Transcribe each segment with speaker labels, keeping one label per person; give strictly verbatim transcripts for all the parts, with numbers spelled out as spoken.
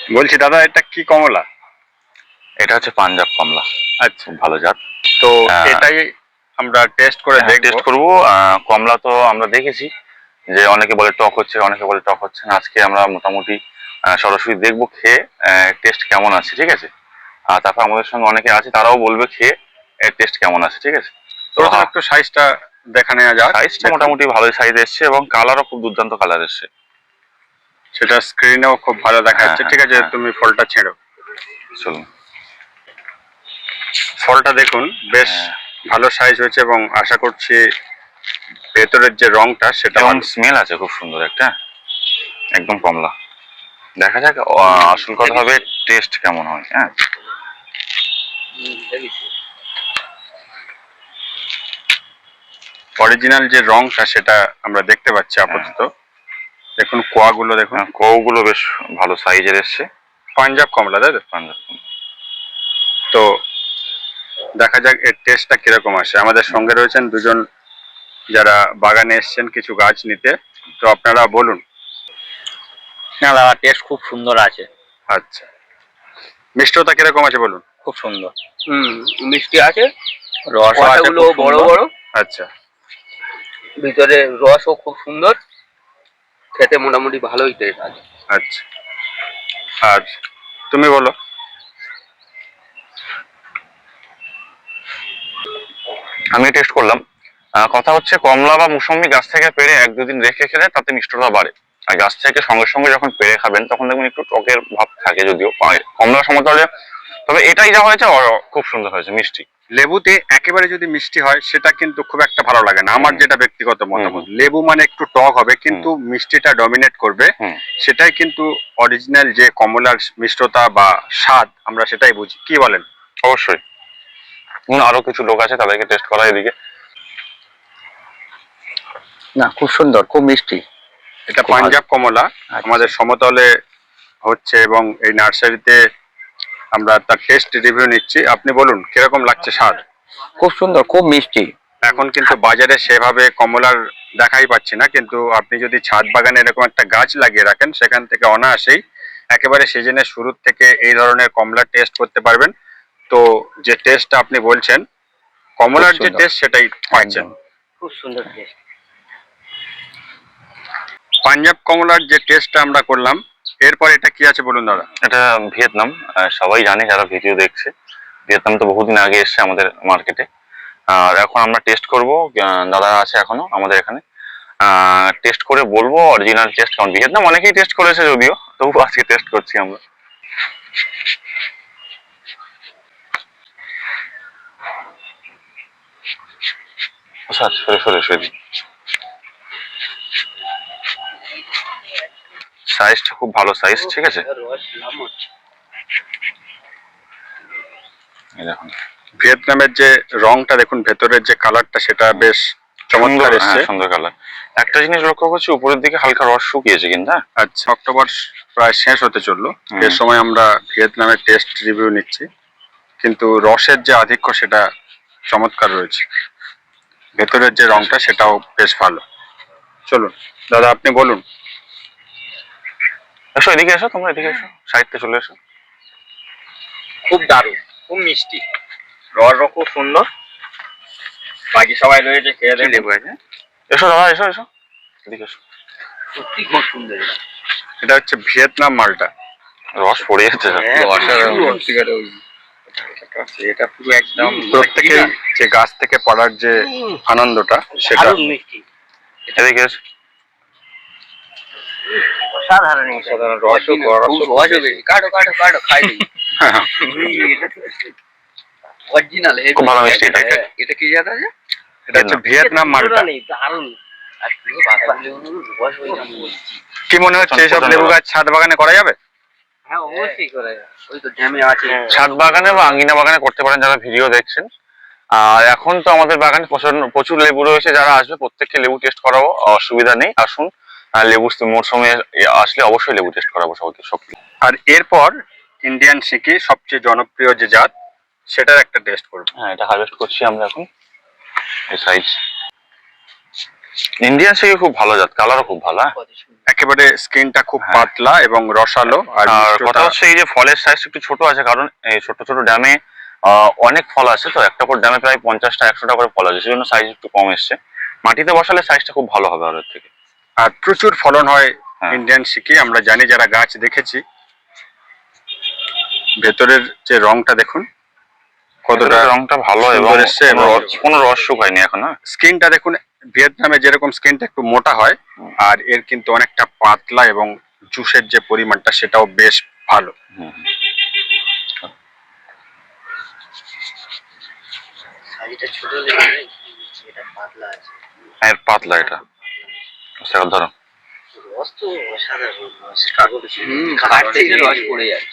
Speaker 1: বলছি দাদা, এটা কি কমলা?
Speaker 2: এটা হচ্ছে পাঞ্জাব কমলা।
Speaker 1: আচ্ছা,
Speaker 2: ভালো জাত।
Speaker 1: তো এটাই আমরা টেস্ট করে দেখব।
Speaker 2: টেস্ট করব। কমলা তো আমরা দেখেছি যে অনেকে বলে টক হচ্ছে, অনেকে বলে টক হচ্ছে না। আজকে আমরা মোটামুটি সরাসরি দেখবো খেয়ে টেস্ট কেমন আছে, ঠিক আছে? আর তারপর আমাদের সঙ্গে অনেকে আছে, তারাও বলবে খেয়ে এর টেস্ট কেমন আছে, ঠিক আছে?
Speaker 1: তো একটু সাইজটা দেখা নেওয়া যাক।
Speaker 2: সাইজটা মোটামুটি ভালোই সাইজ এসছে এবং কালারও খুব দুর্দান্ত কালার এসছে।
Speaker 1: সেটা স্ক্রিনেও খুব ভালো দেখা যাচ্ছে। ঠিক আছে, তুমি ফলটা ছেড়ো।
Speaker 2: চলুন।
Speaker 1: ফলটা দেখুন, বেশ ভালো সাইজ হয়েছে এবং আশা করছি ভেতরের যে রংটা সেটা
Speaker 2: স্মেল আছে খুব সুন্দর একটা, একদম কমলা। দেখা যাক আসল কথা হবে টেস্ট কেমন হয়। হ্যাঁ,
Speaker 1: অরিজিনাল যে রংটা সেটা আমরা দেখতে পাচ্ছি আপাতত। দেখুন কোয়াগুলো, দেখুন
Speaker 2: কোয়াগুলো বেশ ভালো সাইজের এসছে।
Speaker 1: পাঞ্জাব কমলা, তাই তো?
Speaker 2: পাঞ্জাব কমলা।
Speaker 1: তো দেখা যাক এর টেস্টটা কিরকম আসে। আমাদের সঙ্গে রয়েছেন দুজন যারা বাগানে এসছেন কিছু গাছ নিতে। তো আপনারা বলুন।
Speaker 3: না দাদা, টেস্ট খুব সুন্দর আছে।
Speaker 1: আচ্ছা, মিষ্টতা কিরকম আছে বলুন?
Speaker 3: খুব সুন্দর। হুম, মিষ্টি আছে, রসগুলো বড় বড়।
Speaker 1: আচ্ছা,
Speaker 3: ভিতরে রসও খুব সুন্দর, খেতে মোটামুটি ভালোই টেস্ট আছে।
Speaker 1: আচ্ছা, আর তুমি বলো।
Speaker 2: আমি টেস্ট করলাম। কথা হচ্ছে কমলা বা মুসম্বি গাছ থেকে পেড়ে এক দুদিন রেখে খেলে তাতে মিষ্টতা বাড়ে, আর গাছ থেকে সঙ্গে সঙ্গে যখন পেড়ে খাবেন তখন দেখবেন একটু টকের ভাব থাকে, যদিও কমলা সমতলে। তবে এটাই যা হয়েছে খুব সুন্দর হয়েছে, মিষ্টি।
Speaker 1: লেবুতে একেবারে যদি মিষ্টি হয় সেটা কিন্তু খুব একটা ভালো লাগে না, আমার যেটা ব্যক্তিগত মতামত। লেবু মানে একটু টক হবে কিন্তু মিষ্টিটা ডমিনেট করবে, সেটাই কিন্তু অরিজিনাল যে কমলার মিষ্টতা বা স্বাদ, আমরা সেটাই বুঝি। কি বলেন?
Speaker 2: অবশ্যই। আরো কিছু লোক আছে, তাদেরকে টেস্ট করা এদিকে।
Speaker 3: না, খুব সুন্দর, খুব মিষ্টি।
Speaker 1: এটা পাঞ্জাব কমলা আমাদের সমতলে হচ্ছে এবং এই নার্সারিতে আমরা তার টেস্ট রিভিউ নিচ্ছি। আপনি বলুন কিরকম লাগছে স্বাদ?
Speaker 3: খুব সুন্দর, খুব মিষ্টি।
Speaker 1: এখন কিন্তু বাজারে সেভাবে কমলার দেখাই পাচ্ছি না, কিন্তু আপনি যদি ছাদ বাগানে এরকম একটা গাছ লাগিয়ে রাখেন সেখান থেকে অনায়াসেই একেবারে সিজনের শুরু থেকে এই ধরনের কমলার টেস্ট করতে পারবেন। তো যে টেস্টটা আপনি বলছেন কমলার যে টেস্ট সেটাই পাচ্ছেন।
Speaker 3: খুব সুন্দর টেস্ট।
Speaker 1: পাঞ্জাব কমলার যে টেস্টটা আমরা করলাম, এরপর এটা কি আছে বলুন দাদা?
Speaker 2: এটা ভিয়েতনাম। সবাই জানে যারা ভিডিও দেখছে, ভিয়েতনাম তো বহুদিন আগে এসছে আমাদের মার্কেটে। আর এখন আমরা টেস্ট করব, দাদা আছে এখনো আমাদের এখানে, টেস্ট করে বলবো অরিজিনাল টেস্ট কেমন। ভিয়েতনাম অনেকেই টেস্ট করেছে যদিও, তবু আজকে টেস্ট করছি আমরা। আচ্ছা, সরে সরে সরে সাইজটা খুব ভালো সাইজ, ঠিক আছে? দেখুন
Speaker 1: ভিয়েতনামের যে রংটা দেখুন, ভেতরের যে কালারটা সেটা বেশ চমৎকার এসেছে,
Speaker 2: সুন্দর কালার। একটা জিনিস লক্ষ্য করছি, উপরের দিকে হালকা রস শুকিয়েছে কিন্তু।
Speaker 1: আচ্ছা, অক্টোবর প্রায় শেষ হতে চললো, এর সময় আমরা ভিয়েতনামের টেস্ট রিভিউ নিচ্ছি, কিন্তু রসের যে আধিক্য সেটা চমৎকার রয়েছে, ভেতরের যে রংটা সেটাও বেশ ভালো। চলুন দাদা, আপনি বলুন।
Speaker 2: এসো এদিকে, এসো তোমরা এদিকে এসো, সাইডতে চলে এসো।
Speaker 3: খুব দারুণ, খুব মিষ্টি, রসও খুব সুন্দর। বাকি সবাই রয়েছে, খেয়ে দেখবো।
Speaker 2: এসো দাদা, এসো এসো এদিকে এসো।
Speaker 3: সত্যি খুব সুন্দর।
Speaker 1: এটা হচ্ছে ভিয়েতনাম মালটা,
Speaker 2: রস পড়ে যাচ্ছে।
Speaker 3: এটা পুরো একদম
Speaker 1: প্রত্যেকেই যে গাছ থেকে পড়ার যে আনন্দটা সেটা
Speaker 3: মিষ্টি।
Speaker 2: এদিকে এসো।
Speaker 3: সাধারণ সাধারণ রসও কাটো কাটো কাটো খাই দিই। অরিজিনাল
Speaker 2: খুব ভালো মিষ্টি।
Speaker 3: এটা কি জাত আছে?
Speaker 1: এটা হচ্ছে ভিয়েতনাম মালটা।
Speaker 3: দারুণ।
Speaker 1: কি মনে হচ্ছে এইসব লেবু গাছ ছাদ বাগানে করা যাবে?
Speaker 3: হ্যাঁ, অবশ্যই করা যাবে। ওই তো জ্যামে আছে।
Speaker 2: ছাদ বাগানে বা আঙ্গিনা বাগানে করতে পারেন যারা ভিডিও দেখছেন। আর এখন তো আমাদের বাগানে প্রচুর লেবু রয়েছে, যারা আসবে প্রত্যেককে লেবু টেস্ট করাবো, অসুবিধা নেই। আসুন, লেবু মরশুমে আসলে অবশ্যই লেবু টেস্ট করাবো সবাইকে সব।
Speaker 1: আর এরপর ইন্ডিয়ান সিকি, সবচেয়ে জনপ্রিয় যে জাত, সেটার একটা টেস্ট করবো।
Speaker 2: হ্যাঁ, এটা হারভেস্ট করছি আমরা এখন। এই সাইজ ইন্ডিয়ান সিকি খুব ভালো জাত, কালারও খুব ভালো। হ্যাঁ,
Speaker 1: একেবারে স্কিনটা খুব
Speaker 2: হ্যাঁ।
Speaker 1: পাতলা এবং রসালো, আর
Speaker 2: আর
Speaker 1: মিষ্টতা-
Speaker 2: কথা হচ্ছে এই যে ফলের সাইজ একটু ছোট আছে, কারণ এই ছোট ছোট ড্যামে অনেক ফল আছে, তো একটা করে ড্যামে প্রায় পঞ্চাশটা একশোটা করে ফল আছে, সেজন্য সাইজ একটু কম এসছে। মাটিতে বসালে সাইজটা খুব ভালো হবে আরের থেকে।
Speaker 1: আর প্রচুর ফলন হয়
Speaker 2: হ্যাঁ।
Speaker 1: ইন্ডিয়ান সিকি, আমরা জানি যারা গাছ দেখেছি। ভেতরের যে রংটা দেখুন কতটা
Speaker 2: ভেতরের রংটা ভালো এবং
Speaker 1: সুন্দর এসছে,
Speaker 2: কোনো
Speaker 1: এবং
Speaker 2: রস- কোনো রস শুকায়নি এখন। হ্যাঁ,
Speaker 1: স্কিনটা দেখুন, ভিয়েতনামে যেরকম স্কিনটা একটু মোটা হয়, আর এর কিন্তু অনেকটা পাতলা, এবং জুসের যে পরিমাণটা সেটাও বেশ ভালো।
Speaker 2: হুম, হুম।
Speaker 4: সাইজটা ছোট লেগে এটা পাতলা আছে।
Speaker 2: হ্যাঁ, এর পাতলা এটা। সেটা ধরো
Speaker 4: রস তো অসাধারণ রস।
Speaker 3: হুম,
Speaker 4: কাঠ
Speaker 3: কাঠ
Speaker 4: থেকে
Speaker 3: থেকে
Speaker 4: রস
Speaker 3: রস
Speaker 4: পড়ে যাচ্ছে।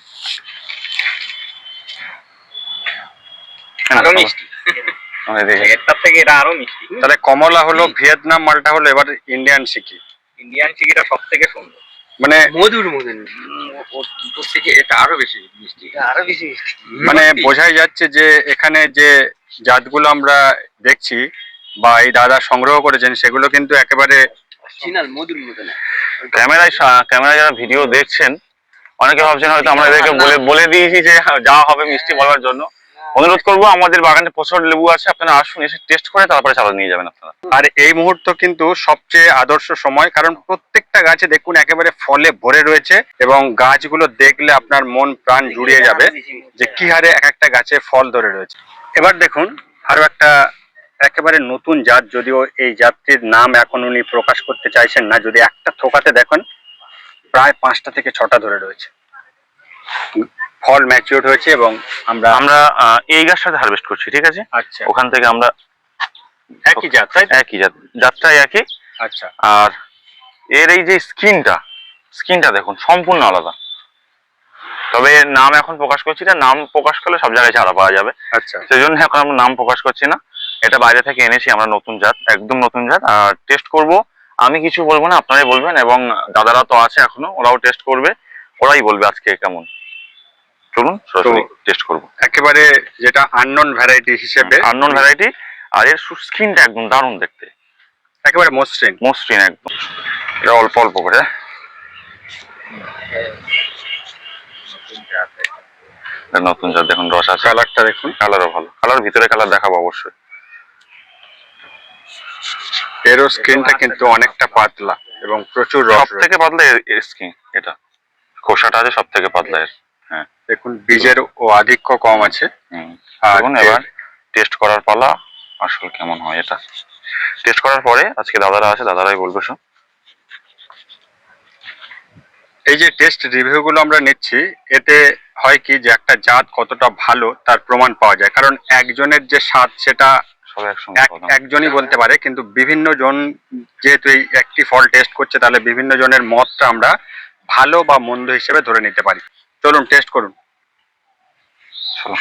Speaker 3: আরো মিষ্টি,
Speaker 2: আমি দেখি।
Speaker 3: এটার থেকে এটা আরো মিষ্টি।
Speaker 1: তাহলে কমলা হলো ভিয়েতনাম, মালটা হলো এবার ইন্ডিয়ান সিকি।
Speaker 3: ইন্ডিয়ান চিকিটা সব থেকে সুন্দর,
Speaker 1: মানে
Speaker 4: মধুর মতন।
Speaker 3: ওর থেকে এটা আরো বেশি মিষ্টি।
Speaker 4: এটা আরো বেশি মিষ্টি।
Speaker 1: মানে বোঝাই যাচ্ছে যে এখানে যে জাতগুলো আমরা দেখছি বা এই দাদা সংগ্রহ করেছেন, সেগুলো কিন্তু একেবারে
Speaker 4: অরিজিনাল মধুর মতন।
Speaker 2: ক্যামেরায় সা- ক্যামেরায় যারা ভিডিও দেখছেন, অনেকে ভাবছেন হয়তো আমরা এদেরকে বলে বলে দিয়েছি যে যা হবে মিষ্টি বলার জন্য। অনুরোধ করবো, আমাদের বাগানে প্রচুর লেবু আছে, আপনারা আসুন, এসে টেস্ট করে তারপরে চালা নিয়ে যাবেন আপনারা।
Speaker 1: আর এই মুহূর্ত কিন্তু সবচেয়ে আদর্শ সময়, কারণ প্রত্যেকটা গাছে দেখুন একেবারে ফলে ভরে রয়েছে, এবং গাছগুলো দেখলে আপনার মন প্রাণ জুড়িয়ে যাবে যে কি হারে এক একটা গাছে ফল ধরে রয়েছে। এবার দেখুন আরো একটা একেবারে নতুন জাত, যদিও এই জাতটির নাম এখন উনি প্রকাশ করতে চাইছেন না। যদি একটা থোকাতে দেখেন প্রায় পাঁচটা থেকে ছটা ধরে রয়েছে, ফল ম্যাচিওর হয়েছে, এবং আমরা
Speaker 2: আমরা আহ, এই গাছটাতে হারভেস্ট করছি, ঠিক আছে?
Speaker 1: আচ্ছা
Speaker 2: ওখান থেকে আমরা
Speaker 1: একই জাত, তাই তো?
Speaker 2: একই জাত, জাতটাই একই।
Speaker 1: আচ্ছা
Speaker 2: আর এর এই যে স্কিনটা স্কিনটা দেখুন সম্পূর্ণ আলাদা। তবে এর নাম এখন প্রকাশ করছি না, নাম প্রকাশ করলে সব জায়গায় ছাড়া পাওয়া যাবে,
Speaker 1: আচ্ছা
Speaker 2: সেই জন্য এখন আমরা নাম প্রকাশ করছি না। এটা বাইরে থেকে এনেছি আমরা, নতুন জাত, একদম নতুন জাত। আর টেস্ট করব, আমি কিছু বলবো না, আপনারাই বলবেন, এবং দাদারা তো আছে এখনো, ওরাও টেস্ট করবে, ওরাই বলবে আজকে কেমন। চলুন সরাসরি টেস্ট করবো।
Speaker 1: একেবারে যেটা আননোন ভ্যারাইটি হিসেবে,
Speaker 2: আননোন ভ্যারাইটি, আর এর স্কিনটা একদম দারুণ দেখতে,
Speaker 1: একেবারে মসৃণ।
Speaker 2: মসৃণ একদম। এটা অল্প অল্প করে, এটা নতুন জাত, দেখুন রস আছে,
Speaker 1: কালারটা দেখুন,
Speaker 2: কালারও ভালো, কালার ভিতরে কালার দেখাবো অবশ্যই।
Speaker 1: এরও স্কিনটা কিন্তু অনেকটা পাতলা এবং প্রচুর
Speaker 2: সব
Speaker 1: রস
Speaker 2: থেকে
Speaker 1: রয়েছে।
Speaker 2: পাতলা এর স্কিন, এটা খোসাটা আছে সব থেকে পাতলা এর। হ্যাঁ,
Speaker 1: দেখুন বীজের ও আধিক্য কম আছে।
Speaker 2: হুম।
Speaker 1: আর
Speaker 2: দেখুন এবার টেস্ট করার পালা, আসল কেমন হয় এটা টেস্ট করার পরে আজকে দাদারা আছে, দাদারাই বলবে সব।
Speaker 1: এই যে টেস্ট রিভিউ গুলো আমরা নিচ্ছি, এতে হয় কি যে একটা জাত কতটা ভালো তার প্রমাণ পাওয়া যায়, কারণ একজনের যে স্বাদ সেটা
Speaker 2: সব একসঙ্গে
Speaker 1: এক-
Speaker 2: কথা।
Speaker 1: একজনই বলতে পারে, কিন্তু বিভিন্ন জন যেহেতু এই একটি ফল টেস্ট করছে, তাহলে বিভিন্ন জনের মতটা আমরা ভালো বা মন্দ হিসেবে ধরে নিতে পারি। চলুন টেস্ট করুন।
Speaker 2: চলো।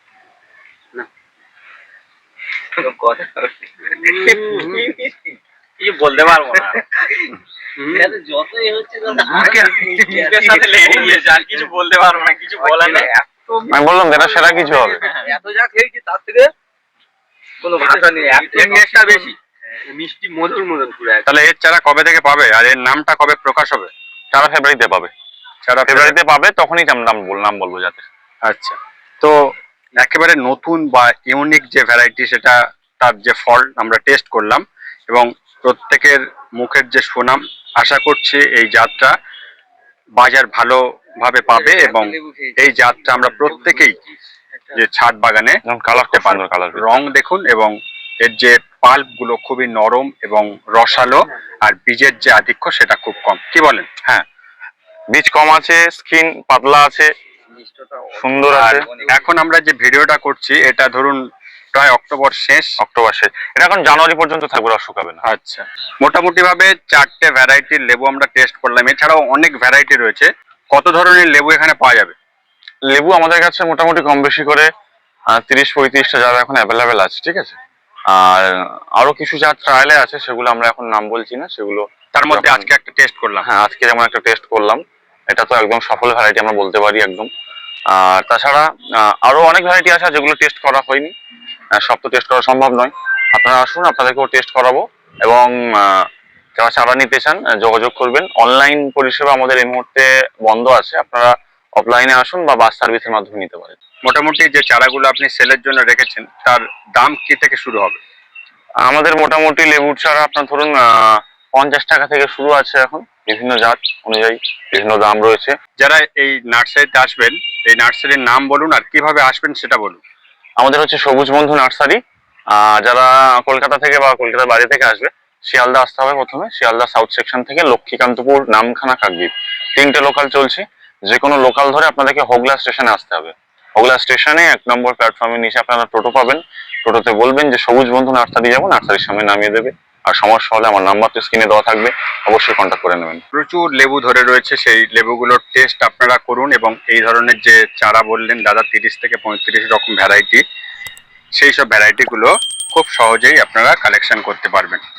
Speaker 3: কিছু বলতে পারবো না,
Speaker 4: এটা যতই হচ্ছে তত
Speaker 3: মুখের সাথে লেগে গিয়েছে, আর কিছু বলতে পারবো না, কিছু বলার নেই।
Speaker 2: আমি বললাম এটা সেরা কিছু হবে।
Speaker 3: এত যা খেয়েছি তার থেকে কোনো ভাষা নেই, এত টেস্টটা বেশি
Speaker 4: মিষ্টি মধুর মতন পুরো একদম।
Speaker 1: তাহলে এর চারা কবে থেকে পাবে, আর এর নামটা কবে প্রকাশ হবে?
Speaker 2: সারা ফেব্রুয়ারিতে পাবে,
Speaker 1: চারা
Speaker 2: ফেব্রুয়ারিতে পাবে, তখনই আমি নাম বল নাম বলবো যাতে।
Speaker 1: আচ্ছা, তো একেবারে নতুন বা ইউনিক যে ভ্যারাইটি, সেটা তার যে ফল আমরা টেস্ট করলাম, এবং প্রত্যেকের মুখের যে সুনাম, আশা করছি এই জাতটা বাজার ভালোভাবে পাবে, এবং এই জাতটা আমরা প্রত্যেকেই যে ছাদ বাগানে
Speaker 2: যেমন কালার খুব সুন্দর, কালার
Speaker 1: রং দেখুন, এবং এর যে পাল্প গুলো খুবই নরম এবং রসালো, আর বীজের যে আধিক্য সেটা খুব কম। কি বলেন?
Speaker 2: হ্যাঁ, বীজ কম আছে, স্কিন পাতলা আছে, সুন্দর
Speaker 1: আর
Speaker 2: আছে।
Speaker 1: এখন আমরা যে ভিডিওটা করছি, এটা ধরুন প্রায় অক্টোবর শেষ,
Speaker 2: অক্টোবর শেষ, এটা এখন জানুয়ারি পর্যন্ত থাকবে, রস শুকাবে না।
Speaker 1: আচ্ছা, মোটামুটি ভাবে চারটে ভ্যারাইটির লেবু আমরা টেস্ট করলাম। এছাড়াও অনেক ভ্যারাইটি রয়েছে। কত ধরনের লেবু এখানে পাওয়া যাবে?
Speaker 2: লেবু আমাদের কাছে মোটামুটি কম বেশি করে আহ, তিরিশ পঁয়ত্রিশটা জাত এখন অ্যাভেলেবেল আছে, ঠিক আছে? আর আরো কিছু জাত ট্রায়ালে আছে, সেগুলো আমরা এখন নাম বলছি না, সেগুলো
Speaker 1: তার মধ্যে
Speaker 2: যখন-
Speaker 1: আজকে একটা টেস্ট করলাম।
Speaker 2: হ্যাঁ, আজকে যেমন একটা টেস্ট করলাম, এটা তো একদম সফল ভ্যারাইটি আমরা বলতে পারি একদম। আর তাছাড়া আহ, আরো অনেক ভ্যারাইটি আছে যেগুলো টেস্ট করা হয়নি, আহ, সব তো টেস্ট করা সম্ভব নয়। আপনারা আসুন, আপনাদেরকেও টেস্ট করাবো, এবং আহ, যারা চারা নিতে চান আহ, যোগাযোগ করবেন। অনলাইন পরিষেবা আমাদের এই মুহূর্তে বন্ধ আছে, আপনারা অফলাইনে আসুন বা বাস সার্ভিসের মাধ্যমে নিতে পারেন।
Speaker 1: মোটামুটি যে চারাগুলো আপনি সেলের জন্য রেখেছেন তার দাম কি থেকে শুরু হবে?
Speaker 2: আমাদের মোটামুটি লেবুর চারা আপনার ধরুন আহ পঞ্চাশ টাকা থেকে শুরু আছে, এখন বিভিন্ন জাত অনুযায়ী বিভিন্ন দাম রয়েছে।
Speaker 1: যারা এই নার্সারিতে আসবেন, এই নার্সারির নাম বলুন আর কিভাবে আসবেন সেটা বলুন।
Speaker 2: আমাদের হচ্ছে সবুজ বন্ধু নার্সারি। আহ যারা কলকাতা থেকে বা কলকাতার বাইরে থেকে আসবে, শিয়ালদা আসতে হবে প্রথমে। শিয়ালদা সাউথ সেকশন থেকে লক্ষ্মীকান্তপুর, নামখানা, কাকদ্বীপ তিনটে লোকাল চলছে। যে কোনো লোকাল ধরে আপনাদেরকে হোগলা স্টেশনে আসতে হবে। হোগলা স্টেশনে এক নম্বর প্ল্যাটফর্মের নিচে আপনারা টোটো পাবেন। টোটোতে বলবেন যে সবুজ বন্ধু নার্সারি যাবো, নার্সারির সামনে নামিয়ে দেবে। আর সমস্যা হলে আমার নাম্বার তো স্ক্রিনে দেওয়া থাকবে, অবশ্যই কন্ট্যাক্ট করে নেবেন।
Speaker 1: প্রচুর লেবু ধরে রয়েছে, সেই লেবুগুলোর টেস্ট আপনারা করুন এবং এই ধরনের যে চারা বললেন দাদা তিরিশ থেকে পঁয়ত্রিশ রকম ভ্যারাইটি, সেই সব ভ্যারাইটিগুলো খুব সহজেই আপনারা কালেকশন করতে পারবেন।